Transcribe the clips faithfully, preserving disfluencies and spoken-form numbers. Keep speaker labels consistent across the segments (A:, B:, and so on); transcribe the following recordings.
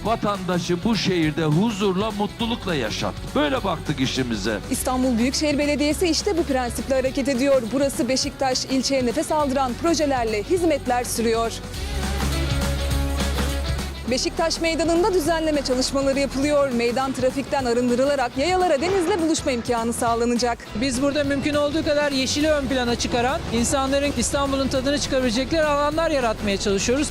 A: vatandaşı bu şehirde huzurla, mutlulukla yaşat. Böyle baktık işimize.
B: İstanbul Büyükşehir Belediyesi işte bu prensiple hareket ediyor. Burası Beşiktaş, ilçeye nefes aldıran projelerle hizmetler sürüyor. Beşiktaş Meydanı'nda düzenleme çalışmaları yapılıyor. Meydan trafikten arındırılarak yayalara denizle buluşma imkanı sağlanacak.
C: Biz burada mümkün olduğu kadar yeşili ön plana çıkaran, insanların İstanbul'un tadını çıkarabilecekleri alanlar yaratmaya çalışıyoruz.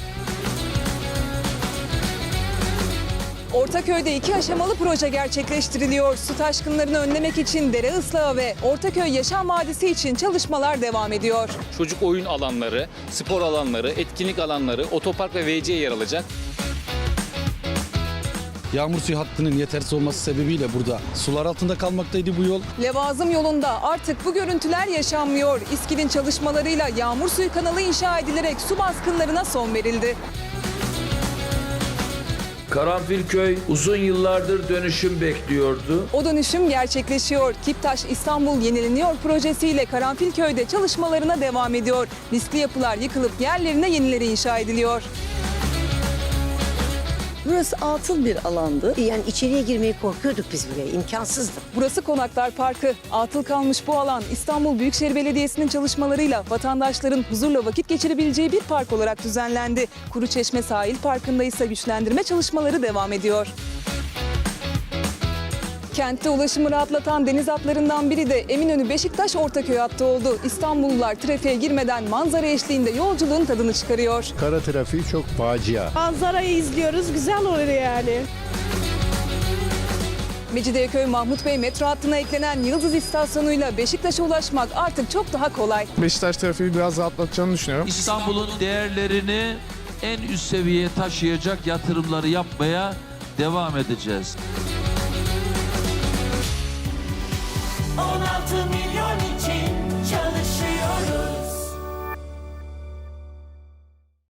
B: Ortaköy'de iki aşamalı proje gerçekleştiriliyor. Su taşkınlarını önlemek için dere ıslahı ve Ortaköy Yaşam Vadisi için çalışmalar devam ediyor.
D: Çocuk oyun alanları, spor alanları, etkinlik alanları, otopark ve V C yer alacak.
E: Yağmur suyu hattının yetersiz olması sebebiyle burada sular altında kalmaktaydı bu yol.
B: Levazım yolunda artık bu görüntüler yaşanmıyor. İSKİ'nin çalışmalarıyla yağmur suyu kanalı inşa edilerek su baskınlarına son verildi.
A: Karanfilköy uzun yıllardır dönüşüm bekliyordu.
B: O dönüşüm gerçekleşiyor. Kiptaş İstanbul Yenileniyor projesiyle Karanfilköy'de çalışmalarına devam ediyor. Riskli yapılar yıkılıp yerlerine yenileri inşa ediliyor.
F: Burası atıl bir alandı. Yani içeriye girmeye korkuyorduk biz buraya. İmkansızdı.
B: Burası Konaklar Parkı. Atıl kalmış bu alan İstanbul Büyükşehir Belediyesi'nin çalışmalarıyla vatandaşların huzurla vakit geçirebileceği bir park olarak düzenlendi. Kuruçeşme Sahil Parkı'nda ise güçlendirme çalışmaları devam ediyor. Kentte ulaşımı rahatlatan deniz hatlarından biri de Eminönü Beşiktaş Ortaköy hattı oldu. İstanbullular trafiğe girmeden manzara eşliğinde yolculuğun tadını çıkarıyor.
G: Kara trafiği çok facia.
H: Manzarayı izliyoruz, güzel oluyor yani.
B: Mecidiyeköy Mahmut Bey metro hattına eklenen Yıldız İstasyonu'yla Beşiktaş'a ulaşmak artık çok daha kolay.
I: Beşiktaş trafiği biraz rahatlatacağını düşünüyorum.
A: İstanbul'un değerlerini en üst seviyeye taşıyacak yatırımları yapmaya devam edeceğiz.